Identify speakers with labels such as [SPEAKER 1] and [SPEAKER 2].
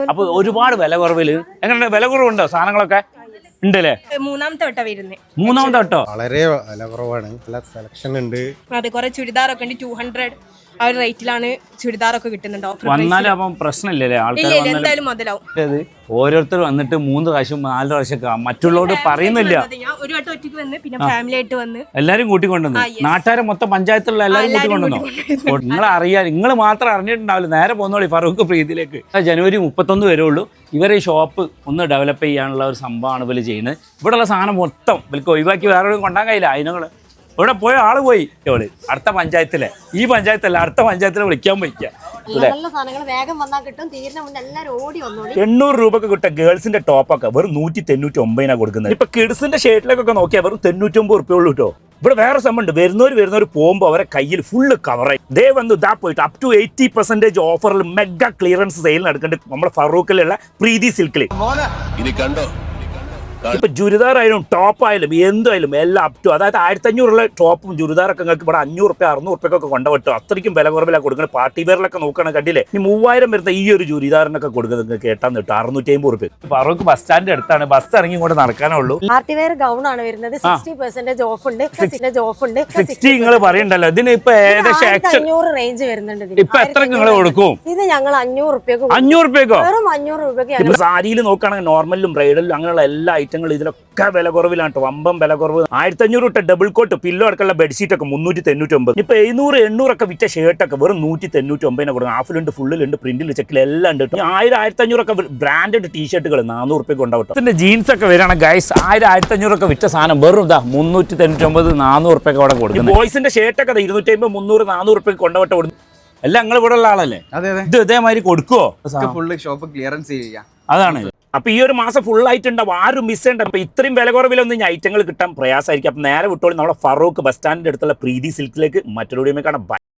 [SPEAKER 1] അപ്പൊ ഒരുപാട് വില കുറവില് എങ്ങനെ വില കുറവുണ്ടോ സാധനങ്ങളൊക്കെ ഉണ്ടല്ലേ? മൂന്നാമത്തെ വട്ടോ
[SPEAKER 2] വളരെ വില കുറവാണ്, നല്ല സെലക്ഷൻ ഉണ്ട്.
[SPEAKER 3] അതെ, കുറെ ചുരിദാറൊക്കെ ഉണ്ട്. 200 ആ ഒരു റേറ്റിലാണ് ചുരിദാറൊക്കെ കിട്ടുന്നുണ്ട്.
[SPEAKER 1] വന്നാലും അപ്പം പ്രശ്നമില്ലല്ലേ? ആൾക്കാർ
[SPEAKER 3] എന്തായാലും മുതലാവും.
[SPEAKER 1] ഓരോരുത്തർ വന്നിട്ട് 3 പ്രാവശ്യം 4 പ്രാവശ്യം മറ്റുള്ളവരോട് പറയുന്നില്ല.
[SPEAKER 3] ഞാൻ ഒരു വട്ടം ഒറ്റയ്ക്ക് വന്ന്, പിന്നെ ഫാമിലി ആയിട്ട് വന്ന്
[SPEAKER 1] എല്ലാരും കൂട്ടിക്കൊണ്ടുവന്നു. നാട്ടുകാരെ മൊത്തം പഞ്ചായത്തിലുള്ള എല്ലാരും കൂട്ടിക്കൊണ്ടുവന്നു. നിങ്ങൾ അറിയാൻ നിങ്ങൾ മാത്രം അറിഞ്ഞിട്ടുണ്ടാവില്ല. നേരെ പോകുന്നോളി ഫറൂഖ് പ്രീതിയിലേക്ക്. ജനുവരി 31 വരെ ഉള്ളൂ. ഇവരെ ഈ ഷോപ്പ് ഒന്ന് ഡെവലപ്പ് ചെയ്യാനുള്ള ഒരു സംഭവമാണ് ഇവർ ചെയ്യുന്നത്. ഇവിടെയുള്ള സാധനം മൊത്തം ഇവർക്ക് ഒഴിവാക്കി വേറെ കൊണ്ടാൻ കഴിയില്ല. അതിനങ്ങൾ ഇവിടെ പോയ ആള് പോയി ഇവള് അടുത്ത പഞ്ചായത്തിലെ, ഈ പഞ്ചായത്തല്ല അടുത്ത പഞ്ചായത്തിലെ വിളിക്കാൻ പോയിക്കുക. 800 രൂപക്ക് കിട്ടുക ഗേൾസിന്റെ ടോപ്പൊക്കെ വെറും 199 കൊടുക്കുന്നത്. ഇപ്പൊ കിഡ്സിന്റെ ഷർട്ടിലേക്കൊക്കെ നോക്കിയാൽ വെറും 99 റുപ്യ ഉള്ളൂ കേട്ടോ. ഇവിടെ വേറെ സംഭവമുണ്ട്. വരുന്നവർ പോകുമ്പോൾ അവരെ കയ്യിൽ ഫുള്ള് കവറായി ദേ വന്നു ഇതാ പോയിട്ട് അപ് ടു 80% ഓഫറിൽ മെഗാ ക്ലിയറൻസ് സെയിൽ നടക്കുന്നുണ്ട് നമ്മുടെ ഫറൂഖിലുള്ള പ്രീതി സിൽക്കിൽ. ഇപ്പൊ ചുരിദാറായാലും ടോപ്പായാലും എന്തായാലും എല്ലാം അപ് ടു, അതായത് 1500 ടോപ്പും ചുരിദാറൊക്കെ നിങ്ങൾക്ക് ഇവിടെ 500 റുപ്യ 600 റുപ്യൊക്കെ കൊണ്ടുപോട്ടോ. അത്രയ്ക്കും വില കുറവിലാണ് കൊടുക്കുന്നത്. പാർട്ടി വെയറിലൊക്കെ നോക്കുകയാണ് കണ്ടില്ലേ? ഇനി 3000 വരുന്ന ഈ ഒരു ചുരിദാറിനൊക്കെ കൊടുക്കുന്നത് നിങ്ങൾക്ക് കേട്ടാൻ കിട്ടും 650 റുപ്യ. ഫറൂഖ് ബസ് സ്റ്റാൻഡിന്റെ അടുത്താണ്. ബസ് ഇറങ്ങി ഇങ്ങോട്ട് നടക്കാനേ ഉള്ളൂ.
[SPEAKER 4] പാർട്ടി വെയർ ഗൗൺ ആണ് വരുന്നത്. 60% ഓഫ് ഉണ്ട്.
[SPEAKER 1] 60 നിങ്ങൾ പറയണ്ടല്ലോ. ഇതിന് ഇപ്പൊ ഏകദേശം
[SPEAKER 4] 500 റേഞ്ച് വരുന്നുണ്ട്.
[SPEAKER 1] ഇപ്പൊ എത്ര നിങ്ങൾ കൊടുക്കും?
[SPEAKER 4] ഇത് ഞങ്ങൾ 500 റുപ്യക്ക്
[SPEAKER 1] 500 റുപ്യക്കോ?
[SPEAKER 4] വെറും 500 രൂപയ്ക്ക്.
[SPEAKER 1] സാരിയിൽ നോക്കുകയാണെങ്കിൽ നോർമലും ബ്രൈഡലും അങ്ങനെയുള്ള എല്ലാ ഐറ്റങ്ങളും ഇതിലൊക്കെ വില കുറവിലാണ്. വമ്പം വില കുറവ്. 1500 ഇട്ട ഡബിൾ കോട്ട് പില്ലോ അടക്കമുള്ള ബെഡ്ഷീറ്റ് ഒക്കെ 399. ഇപ്പൊ 700-800 ഒക്കെ വിറ്റ ഷർട്ടൊക്കെ വെറും 199 കൊടുക്കും. ഹാഫിലുണ്ട്, ഫുള്ളിലുണ്ട്, പ്രിന്റിൽ ചെക്കിൽ എല്ലാം ഉണ്ട്. 1000-1500 ഒക്കെ ബ്രാൻഡഡ് ടീഷർട്ടുകൾ 400 റുപ്യക്ക് ഉണ്ടാവും. ഇതിന്റെ ജീൻസ് ഒക്കെ വരികയാണ് ഗൈസ്. 1000-1500 ഒക്കെ വിറ്റ സാധനം വെറും 399-400 റുപ്യൊക്കെ അവിടെ കൊടുക്കും. ബോയ്സിന്റെ ഷർട്ടൊക്കെ 250-300-400 റുപ്യക്ക് കൊണ്ടുപോട്ടെ കൊടുക്കും. എല്ലാം നിങ്ങൾ ഇവിടെ ഉള്ള ആളല്ലേ? ഇത് ഇതേമാതിരി കൊടുക്കുവോ?
[SPEAKER 5] ഫുള്ള് ഷോപ്പ് ക്ലിയറൻസ് ചെയ്യാം.
[SPEAKER 1] അതാണ്. അപ്പൊ ഈ ഒരു മാസം ഫുൾ ആയിട്ടുണ്ടാവും. ആരും മിസ് ചെയ്യണ്ട. അപ്പൊ ഇത്രയും വില കുറവിലൊന്നും ഈ ഐറ്റങ്ങൾ കിട്ടാൻ പ്രയാസമായിരിക്കും. അപ്പൊ നേരെ വിട്ടോളി നമ്മളെ ഫറൂഖ് ബസ് സ്റ്റാൻഡിന്റെ അടുത്തുള്ള പ്രീതി സിൽക്കിലേക്ക്. മറ്റൊരു വീഡിയോ കാണാം.